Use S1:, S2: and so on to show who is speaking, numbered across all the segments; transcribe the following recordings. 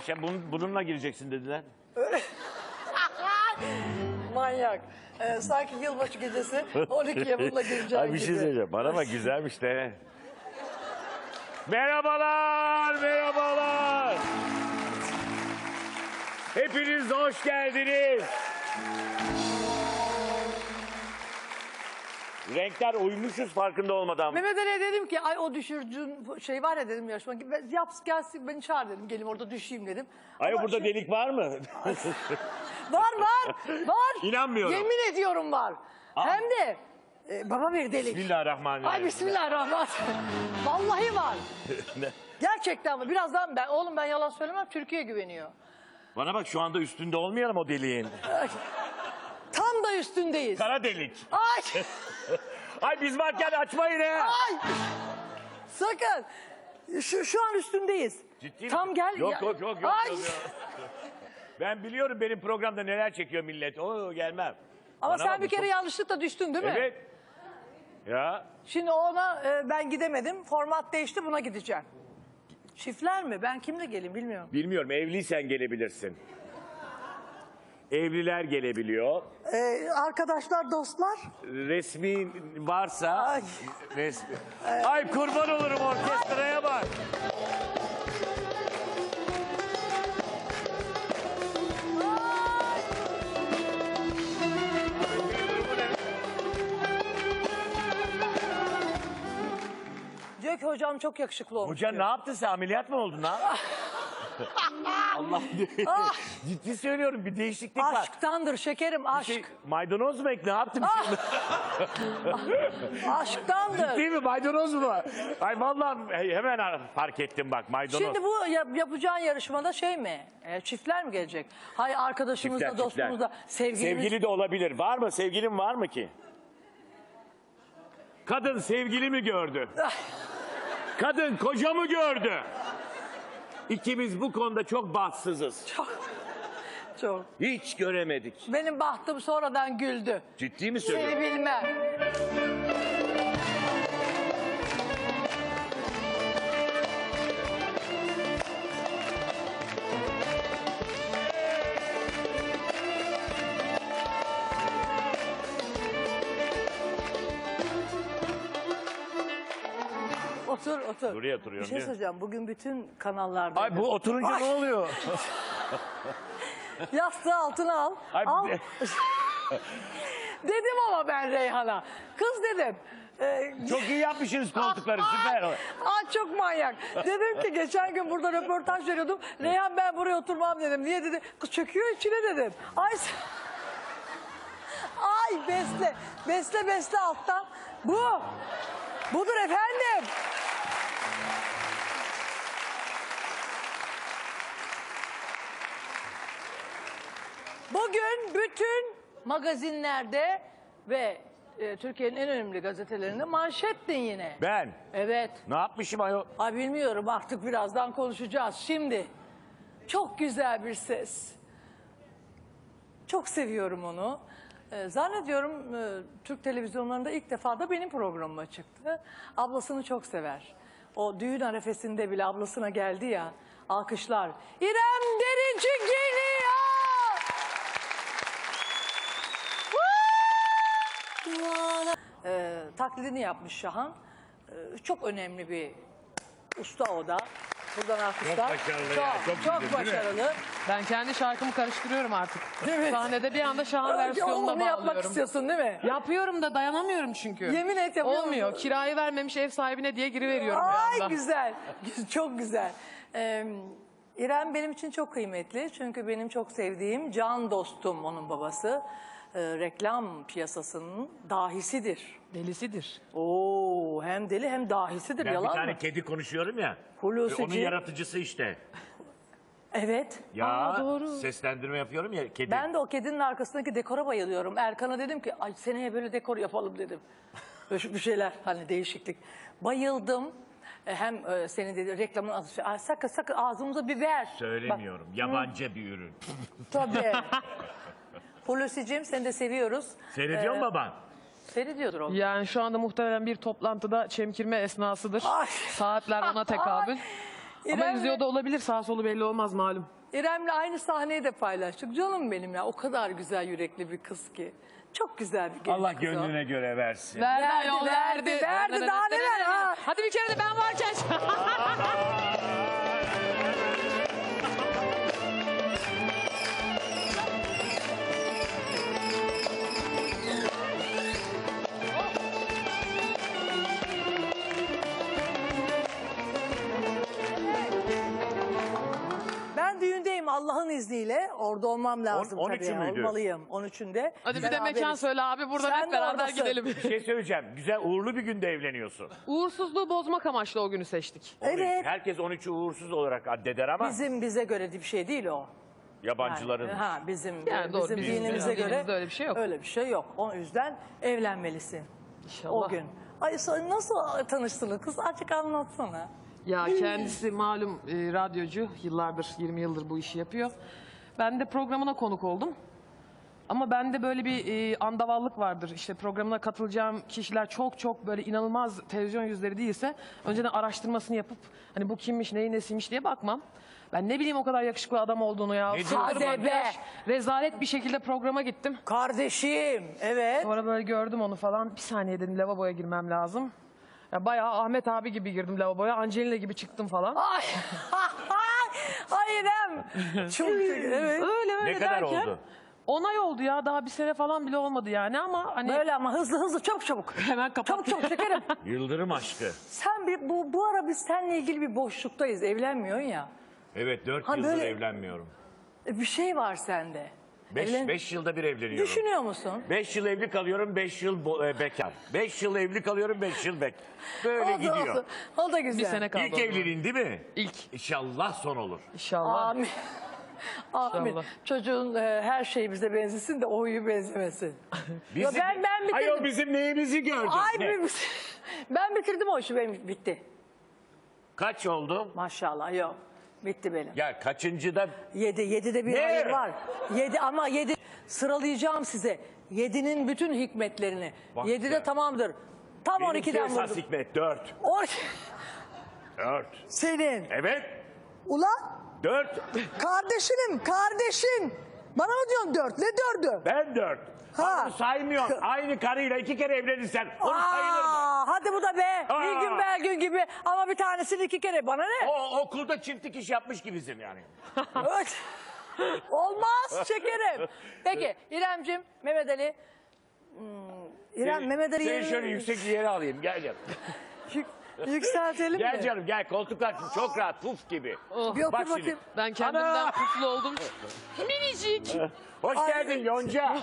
S1: şey, bununla gireceksin dediler.
S2: Manyak. Sanki yılbaşı gecesi 12'ye bununla gireceğim
S1: Ay bir şey
S2: gibi.
S1: söyleyeceğim. Bana bak güzelmiş de. Merhabalar, merhabalar. Hepiniz hoş geldiniz. Renkler uymuşuz farkında olmadan.
S2: Mehmet Ali'ye dedim ki ay o düşürcün şey var ya dedim yarışma. Yap gelsin beni çağır dedim. Gelin orada düşeyim dedim.
S1: Ay
S2: Ama
S1: burada delik var mı?
S2: Var.
S1: İnanmıyorum.
S2: Yemin ediyorum var. Hem de baba bir delik.
S1: Bismillahirrahmanirrahim.
S2: Ay bismillahirrahmanirrahim. Vallahi var. Gerçekten var. Birazdan ben yalan söylemem, Türkiye güveniyor.
S1: Bana bak şu anda üstünde olmayalım o deliğin.
S2: Tam da üstündeyiz.
S1: Kara delik.
S2: Ay.
S1: Ay biz varken açmayın he.
S2: Ay. Sakın. Şu an üstündeyiz.
S1: Ciddi
S2: Tam
S1: mi?
S2: gel.
S1: Yok.
S2: Ay.
S1: Ben biliyorum benim programda neler çekiyor millet. Oo gelmem.
S2: Ama
S1: Bana
S2: sen
S1: bak,
S2: bir kere
S1: çok-
S2: yanlışlıkla düştün değil mi?
S1: Evet. Ya.
S2: Şimdi ona ben gidemedim. Format değişti, buna gideceğim. Çiftler mi? Ben kimle geleyim bilmiyorum.
S1: Bilmiyorum evliysen gelebilirsin. Evliler gelebiliyor.
S2: Arkadaşlar, dostlar.
S1: Resmi varsa
S2: Ay.
S1: resmi. Ay kurban olurum orkestraya bak.
S2: Diyor ki hocam çok yakışıklı olmuş.
S1: Hoca
S2: diyor.
S1: ne yaptın sen? Ameliyat mı oldun ha? Allah ciddi söylüyorum bir değişiklik var.
S2: Aşktandır şekerim, aşk.
S1: Maydanoz mu ek ne yaptım şimdi?
S2: Aşktandır.
S1: Değil mi maydanoz mu? Ay vallahi hemen fark ettim bak maydanoz.
S2: Şimdi bu yapacağın yarışmada şey mi? Çiftler mi gelecek? Hayır, arkadaşımızla,
S1: Çiftler,
S2: dostumuzla, sevgilimiz.
S1: Sevgili de olabilir. Var mı? Sevgilin var mı ki? Kadın sevgili mi gördü? Kadın koca mı gördü? İkimiz bu konuda çok bahtsızız.
S2: Çok.
S1: Hiç göremedik.
S2: Benim bahtım sonradan güldü.
S1: Ciddi mi
S2: Seni
S1: söylüyorsun?
S2: bilmem. Otur.
S1: Buraya oturuyorum,
S2: Bir şey
S1: değil mi?
S2: söyleyeceğim. Bugün bütün kanallarda.
S1: Ay bu oturunca ne oluyor?
S2: Yastığı altına al.
S1: Ay,
S2: Al. Dedim ama ben Reyhan'a. Kız dedim.
S1: Çok iyi yapmışsınız koltukları süper.
S2: Ay çok manyak. Dedim ki geçen gün burada röportaj veriyordum. Reyhan ben buraya oturmam dedim. Niye dedi? Kız çöküyor içine dedim. Ay besle alttan. Budur efendim. Bugün bütün magazinlerde ve Türkiye'nin en önemli gazetelerinde manşettin yine.
S1: Ben
S2: Evet.
S1: ne yapmışım ayol?
S2: Ay bilmiyorum, artık birazdan konuşacağız. Şimdi çok güzel bir ses. Çok seviyorum onu. Zannediyorum Türk televizyonlarında ilk defa da benim programıma çıktı. Ablasını çok sever. O düğün arefesinde bile ablasına geldi ya. Alkışlar. İrem Derici geliyor. Taklidini yapmış Şahan. Çok önemli bir usta o da. Buradan alkışlar.
S1: Çok başarılı ya, çok güzel, değil mi?
S2: başarılı.
S3: Ben kendi şarkımı karıştırıyorum artık.
S2: Evet.
S3: Sahnede bir anda Şahan versiyonuna
S2: Onu yapmak
S3: bağlıyorum.
S2: istiyorsun değil mi?
S3: Yapıyorum da dayanamıyorum çünkü.
S2: Yemin et yapıyor
S3: Olmuyor.
S2: musun?
S3: Kirayı vermemiş ev sahibine diye giriveriyorum bir anda.
S2: Ay güzel. Çok güzel. İrem benim için çok kıymetli. Çünkü benim çok sevdiğim can dostum onun babası. Reklam piyasasının dahisidir.
S3: Delisidir.
S2: Oo, hem deli hem dahisidir.
S1: Ben bir
S2: Yalan
S1: tane
S2: mı?
S1: kedi konuşuyorum ya.
S2: Hulusici.
S1: Onun yaratıcısı işte.
S2: Evet.
S1: Ya
S3: doğru.
S1: seslendirme yapıyorum ya kedi.
S2: Ben de o kedinin arkasındaki dekora bayılıyorum. Erkan'a dedim ki ay seneye böyle dekor yapalım dedim. Böyle bir şeyler hani değişiklik. Bayıldım. Hem senin dedi reklamın adı. Ay, sakın ağzımıza biber.
S1: Söylemiyorum. Yabancı bir ürün.
S2: Tabii. Hulusi'cim seni de seviyoruz.
S1: Seyrediyor mu baban?
S2: Seyrediyordur o.
S3: Yani şu anda muhtemelen bir toplantıda çemkirme esnasıdır.
S2: Ay.
S3: Saatler ona tekabül. Ama yüzüyor da olabilir. Sağ solu belli olmaz malum.
S2: İrem'le aynı sahneyi de paylaştık. Canım benim ya, o kadar güzel yürekli bir kız ki. Çok güzel bir genç
S1: Allah
S2: kız o.
S1: gönlüne göre versin.
S3: Verdi,
S2: Verdi,
S3: ayol,
S2: verdi, daha neler ha?
S3: Hadi bir kere de ben varken.
S2: Ben düğündeyim Allah'ın izniyle. Orada olmam lazım
S1: 13'ü
S2: tabii.
S1: müydü?
S2: Olmalıyım 13'ünde.
S3: Hadi bir de mekan
S2: Beraberiz.
S3: söyle abi. Buradan
S2: Sen
S3: hep
S2: de
S3: beraber
S2: oradasın.
S3: gidelim.
S1: Bir şey söyleyeceğim. Güzel uğurlu bir günde evleniyorsun.
S3: Uğursuzluğu bozmak amaçlı o günü seçtik.
S1: 13.
S2: Evet.
S1: Herkes 13'ü uğursuz olarak addeder ama
S2: Bize göre bir şey değil o.
S1: yabancıların.
S2: Bizim
S3: Yani doğru,
S2: bizim
S3: bizim
S2: dinimize göre
S3: dinimizde öyle bir şey yok.
S2: Öyle bir şey yok. O yüzden evlenmelisin.
S3: İnşallah.
S2: O gün. Ay nasıl tanıştınız kız? Açık anlatsana.
S3: Ya kendisi malum radyocu. Yıllardır, 20 yıldır bu işi yapıyor. Ben de programına konuk oldum. Ama bende böyle bir andavallık vardır. İşte programına katılacağım kişiler çok böyle inanılmaz televizyon yüzleri değilse önceden araştırmasını yapıp hani bu kimmiş, neyin nesiymiş diye bakmam. Ben ne bileyim o kadar yakışıklı adam olduğunu ya.
S1: Ne
S3: Sıfır
S1: diyorsun?
S2: Hadi
S3: makyaj,
S2: be.
S3: rezalet bir şekilde programa gittim.
S2: Kardeşim. Evet.
S3: Sonra böyle gördüm onu falan. Bir saniye dedim, lavaboya girmem lazım. Ya bayağı Ahmet abi gibi girdim lavaboya. Angelina gibi çıktım falan.
S2: Ay. Ay İrem. Çok evet.
S3: Öyle
S1: Ne kadar
S3: derken,
S1: oldu?
S3: 10 ay oldu ya. Daha bir sene falan bile olmadı yani ama hani
S2: Böyle ama hızlı çabuk.
S3: hemen kapattım.
S2: Çabuk şekerim.
S1: Yıldırım aşkı.
S2: Sen bu ara biz seninle ilgili bir boşluktayız. Evlenmiyorsun ya.
S1: Evet 4
S2: Ha,
S1: yıldır
S2: böyle-
S1: evlenmiyorum.
S2: Bir şey var sende. Evlen-
S1: 5 yılda bir evleniyorum.
S2: Düşünüyor musun?
S1: 5 yıl evli kalıyorum, 5 yıl bekar. 5 yıl evli kalıyorum, 5 yıl bek. Böyle gidiyor.
S2: Olsun. O da güzel.
S3: Bir sene kaldı.
S1: İlk
S3: ondan.
S1: evliliğin değil mi?
S3: İlk.
S1: İnşallah son olur.
S3: İnşallah.
S2: Amin. Amin.
S3: İnşallah.
S2: Çocuğun her şeyi bize benzesin de o huyu benzemesin.
S1: Bizim,
S2: ben bitirdim.
S1: Ay o bizim neyimizi gördün?
S2: Ay
S1: Ne?
S2: ben bitirdim o işi, benim bitti.
S1: Kaç oldu?
S2: Maşallah yok. Bitti benim.
S1: Ya kaçıncıda?
S2: 7'de bir
S1: Ne?
S2: hayır var. 7 ama 7 sıralayacağım size. 7'nin bütün hikmetlerini.
S1: Bak
S2: 7'de
S1: ya.
S2: tamamdır. Tam
S1: Benimki
S2: 12'den
S1: esas
S2: vurdum.
S1: hikmet 4. 4.
S2: Senin.
S1: Evet.
S4: Ulan
S1: 4.
S4: kardeşin. Bana mı diyorsun 4? Ne 4'ü?
S1: Ben 4.
S4: Ha.
S1: Onu saymıyorum. Aynı karıyla 2 kere evlenirsen onu sayılır mı?
S2: Hadi bu da be.
S1: Aa.
S2: Bir gün Belgün gibi ama bir tanesini 2 kere. Bana ne?
S1: O okulda çiftlik iş yapmış gibisin yani.
S2: Evet. Olmaz şekerim. Peki İremcim, Mehmet Ali. İrem, Mehmet Ali
S1: Seni
S2: yerini
S1: şöyle yüksek bir yere alayım. Gel canım.
S2: yükseltelim
S1: Gel
S2: mi?
S1: canım gel. Koltuklar çok rahat. Puf gibi.
S2: Bir otur
S1: Bak şimdi.
S2: bakayım.
S3: Ben kendimden
S1: Ana!
S3: kutlu oldum. Minicik.
S1: Hoş geldin Yonca.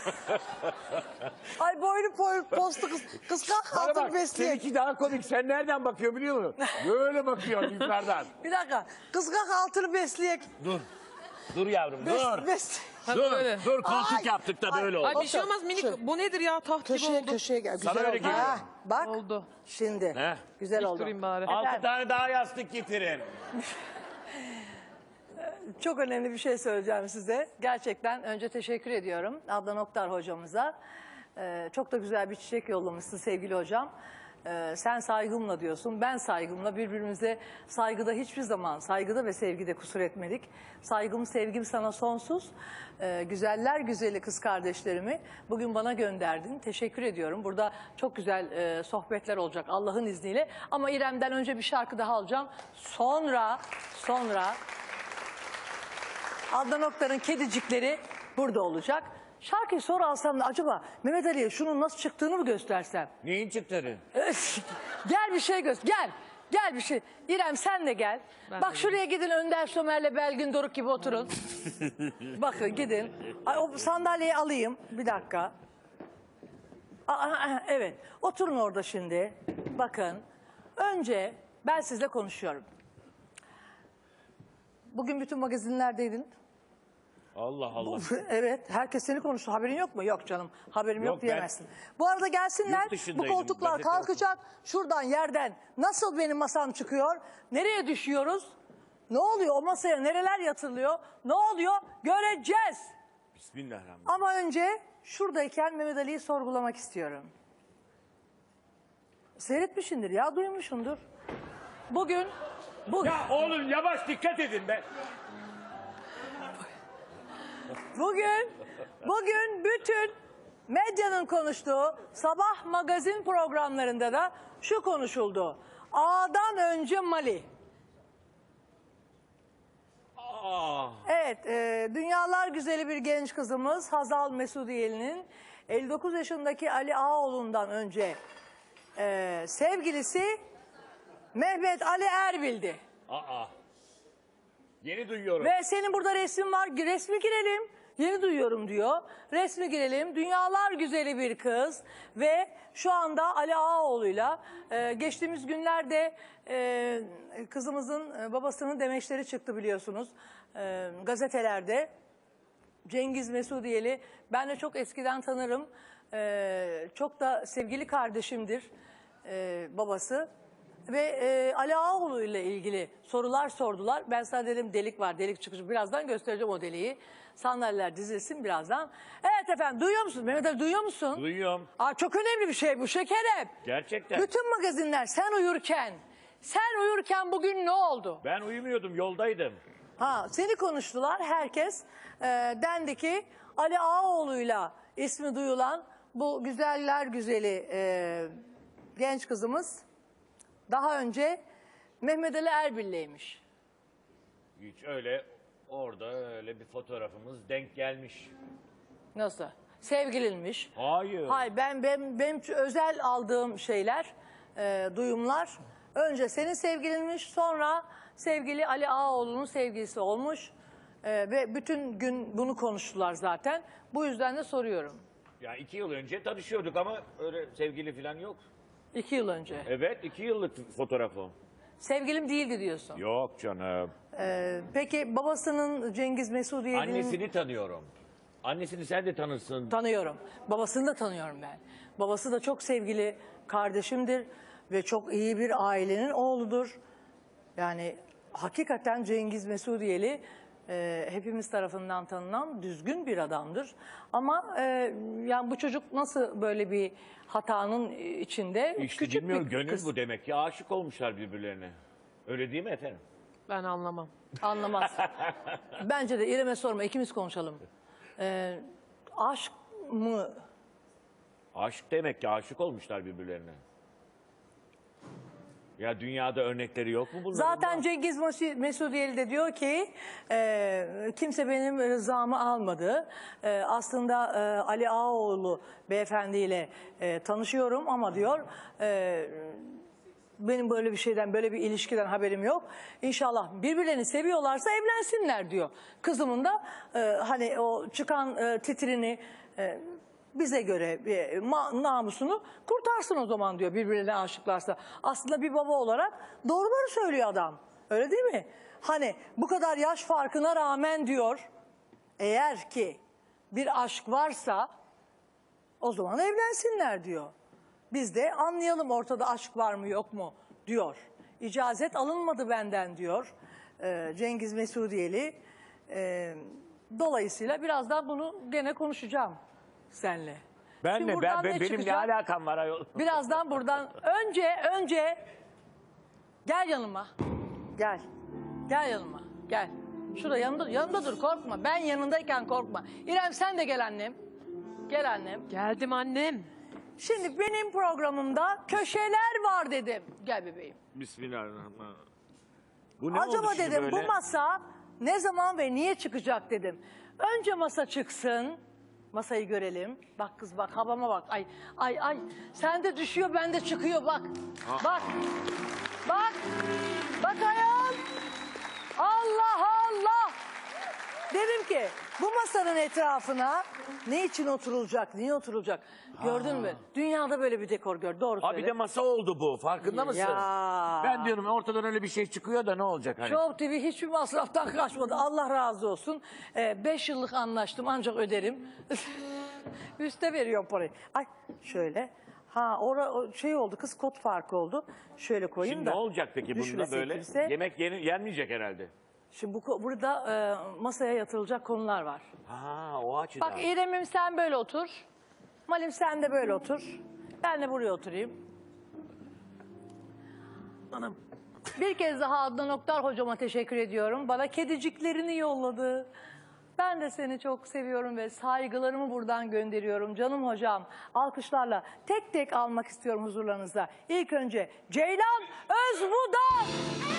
S4: Ay boynu postu kıskan
S1: Bana
S4: altın
S1: bak
S4: besleyek.
S1: seninki daha komik. Sen nereden bakıyor biliyor musun? Böyle bakıyor yukarıdan.
S2: Bir dakika.
S4: Kıskan altını besleyek.
S1: Dur. Dur yavrum dur.
S4: Bes.
S1: Dur.
S3: böyle.
S1: Dur koltuk
S4: Ay,
S1: yaptık da böyle
S3: Ay
S1: oldu.
S3: bir şey olmaz minik. Bu nedir ya, taht gibi
S4: Köşeye
S3: oldu.
S4: köşeye gel. Güzel
S1: Sana öyle
S4: oldu.
S1: geliyor.
S4: Ha, bak
S3: Oldu.
S4: şimdi.
S1: He?
S4: Güzel
S3: Dik
S4: oldu.
S3: durayım bari.
S1: 6 tane daha yastık getirin.
S2: Çok önemli bir şey söyleyeceğim size. Gerçekten önce teşekkür ediyorum Adnan Oktar hocamıza. Çok da güzel bir çiçek yollamışsın sevgili hocam. Sen saygımla diyorsun, ben saygımla, birbirimize saygıda hiçbir zaman, saygıda ve sevgide kusur etmedik. Saygım, sevgim sana sonsuz. Güzeller güzeli kız kardeşlerimi bugün bana gönderdin. Teşekkür ediyorum. Burada çok güzel sohbetler olacak Allah'ın izniyle. Ama İrem'den önce bir şarkı daha alacağım. Sonra Adnan Oktar'ın kedicikleri burada olacak. Şarkıyı sonra alsam da acaba Mehmet Ali'ye şunun nasıl çıktığını mı göstersem?
S1: Neyin çıktı?
S2: Gel bir şey göster. Gel bir şey. İrem sen de gel. Bak şuraya gidin, Önder Somer'le Belgün Doruk gibi oturun. Bakın gidin. Ay, o sandalyeyi alayım. Bir dakika. Evet. Oturun orada şimdi. Bakın. Önce ben sizle konuşuyorum. Bugün bütün magazinlerdeydin.
S1: Allah Allah.
S2: Evet, herkes seni konuştu. Haberin yok mu? Yok canım, haberim yok
S1: Yok, ben-
S2: diyemezsin. Bu arada gelsinler,
S1: Yurt
S2: bu
S1: dışındaydım,
S2: koltuklar
S1: gazete
S2: kalkacak. Şuradan, yerden nasıl benim masam çıkıyor? Nereye düşüyoruz? Ne oluyor? O masaya nereler yatırılıyor? Ne oluyor? Göreceğiz.
S1: Bismillahirrahmanirrahim.
S2: Ama önce şuradayken Mehmet Ali'yi sorgulamak istiyorum. Seyretmişsindir ya, duymuşsundur. Bugün
S1: Ya oğlum yavaş dikkat edin be.
S2: Bugün bütün medyanın konuştuğu sabah magazin programlarında da şu konuşuldu. A'dan önce Mali. Evet, dünyalar güzeli bir genç kızımız Hazal Mesudiyeli'nin 59 yaşındaki Ali Ağaoğlu'ndan önce sevgilisi Mehmet Ali Erbil'di.
S1: Yeni duyuyorum.
S2: Ve senin burada resmin var, resmi girelim. Yeni duyuyorum diyor. Resmi girelim. Dünyalar güzeli bir kız ve şu anda Ali Ağaoğlu'yla geçtiğimiz günlerde kızımızın babasının demeçleri çıktı biliyorsunuz gazetelerde. Cengiz Mesudiyeli ben de çok eskiden tanırım. Çok da sevgili kardeşimdir babası. Ve Ali Ağaoğlu ile ilgili sorular sordular. Ben sana dedim delik var, delik çıkışı. Birazdan göstereceğim o deliği. Sandalyeler dizilsin birazdan. Evet efendim, duyuyor musun? Mehmet Ali duyuyor musun?
S1: Duyuyorum.
S2: Çok önemli bir şey bu şekerim.
S1: Gerçekten.
S2: Bütün magazinler sen uyurken bugün ne oldu?
S1: Ben uyumuyordum, yoldaydım.
S2: Seni konuştular herkes. Dendi ki Ali Ağaoğlu'yla ismi duyulan bu güzeller güzeli genç kızımız daha önce Mehmet Ali Erbil'leymiş.
S1: Hiç öyle orada öyle bir fotoğrafımız denk gelmiş.
S2: Nasıl? Sevgilinmiş.
S1: Hayır.
S2: Hayır, benim özel aldığım şeyler, duyumlar. Önce senin sevgilinmiş, sonra sevgili Ali Ağaoğlu'nun sevgilisi olmuş. Ve bütün gün bunu konuştular zaten. Bu yüzden de soruyorum.
S1: Ya 2 yıl önce tanışıyorduk ama öyle sevgili falan yok.
S2: 2 yıl önce.
S1: Evet, 2 yıllık fotoğrafım.
S2: Sevgilim değildi diyorsun.
S1: Yok canım.
S2: Peki babasının Cengiz Mesudiyeli'nin...
S1: Annesini tanıyorum. Annesini sen de tanırsın.
S2: Tanıyorum. Babasını da tanıyorum ben. Babası da çok sevgili kardeşimdir ve çok iyi bir ailenin oğludur. Yani hakikaten Cengiz Mesudiyeli hepimiz tarafından tanınan düzgün bir adamdır. Ama yani bu çocuk nasıl böyle bir hatanın içinde?
S1: İşte
S2: Küçük
S1: bilmiyorum,
S2: bir
S1: gönül
S2: kız.
S1: bu demek ki, aşık olmuşlar birbirlerine. Öyle değil mi efendim?
S3: Ben anlamam.
S2: Anlamaz. Bence de İrem'e sorma, ikimiz konuşalım. Aşk mı?
S1: Aşk demek ki, aşık olmuşlar birbirlerine. Ya dünyada örnekleri yok mu bunların?
S2: Zaten Cengiz Mesudiyeli de diyor ki kimse benim rızamı almadı. Aslında Ali Ağaoğlu beyefendiyle tanışıyorum ama diyor benim böyle bir şeyden, böyle bir ilişkiden haberim yok. İnşallah birbirlerini seviyorlarsa evlensinler diyor. Kızımın da hani o çıkan titrini bize göre namusunu kurtarsın o zaman diyor birbirlerine aşıklarsa. Aslında bir baba olarak doğruları söylüyor adam. Öyle değil mi? Hani bu kadar yaş farkına rağmen diyor eğer ki bir aşk varsa o zaman evlensinler diyor. Biz de anlayalım ortada aşk var mı yok mu diyor. İcazet alınmadı benden diyor Cengiz Mesudiyeli. Dolayısıyla birazdan bunu gene konuşacağım seninle.
S1: Ben
S2: Şimdi
S1: mi?
S2: buradan ne
S1: Benim ne
S2: çıkacak?
S1: alakam var ayol?
S2: Birazdan buradan önce gel yanıma. Gel. Gel yanıma. Gel. Şurada yanımda dur, korkma. Ben yanındayken korkma. İrem sen de gel annem. Gel annem.
S3: Geldim annem.
S2: Şimdi benim programımda köşeler var dedim. Gel bebeğim.
S1: Bismillahirrahmanirrahim. Bu ne
S2: Acaba
S1: oldu şimdi
S2: dedim
S1: böyle?
S2: bu masa ne zaman ve niye çıkacak dedim. Önce masa çıksın. Masayı görelim. Bak kız bak, havama bak. Ay. Sende düşüyor, bende çıkıyor bak. Bak. Bak. Bak ayol. Allah Allah. Dedim ki bu masanın etrafına ne için oturulacak, niye oturulacak? Gördün mü? Dünyada böyle bir dekor gör. Doğru söyle.
S1: Abi de masa oldu bu. Farkında mısın?
S2: Ya.
S1: Ben diyorum ortadan öyle bir şey çıkıyor da ne olacak hani?
S2: Show TV hiçbir masraftan kaçmadı. Allah razı olsun. 5 yıllık anlaştım ancak öderim. Üste veriyorum parayı. Ay şöyle. O şey oldu, kız kot farkı oldu. Şöyle koyayım
S1: Şimdi
S2: da.
S1: ne olacak peki bunda
S2: düşmesin
S1: böyle?
S2: kimse.
S1: Yemek yenmeyecek herhalde.
S2: Şimdi burada masaya yatırılacak konular var.
S1: O açıdan.
S2: Bak İrem'im sen böyle otur. Malim sen de böyle otur. Ben de buraya oturayım.
S1: Anam.
S2: Bir kez daha Adnan Oktar hocama teşekkür ediyorum. Bana kediciklerini yolladı. Ben de seni çok seviyorum ve saygılarımı buradan gönderiyorum. Canım hocam, alkışlarla tek tek almak istiyorum huzurlarınıza. İlk önce Ceylan Özbudak.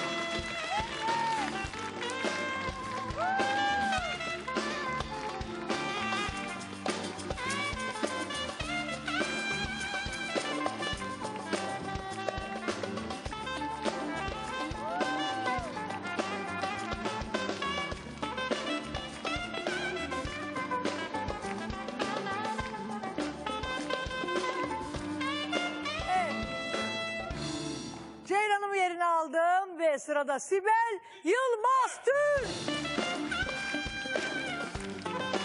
S2: Ceylan'ımı yerine aldım ve sırada Sibel Yılmaz Tül.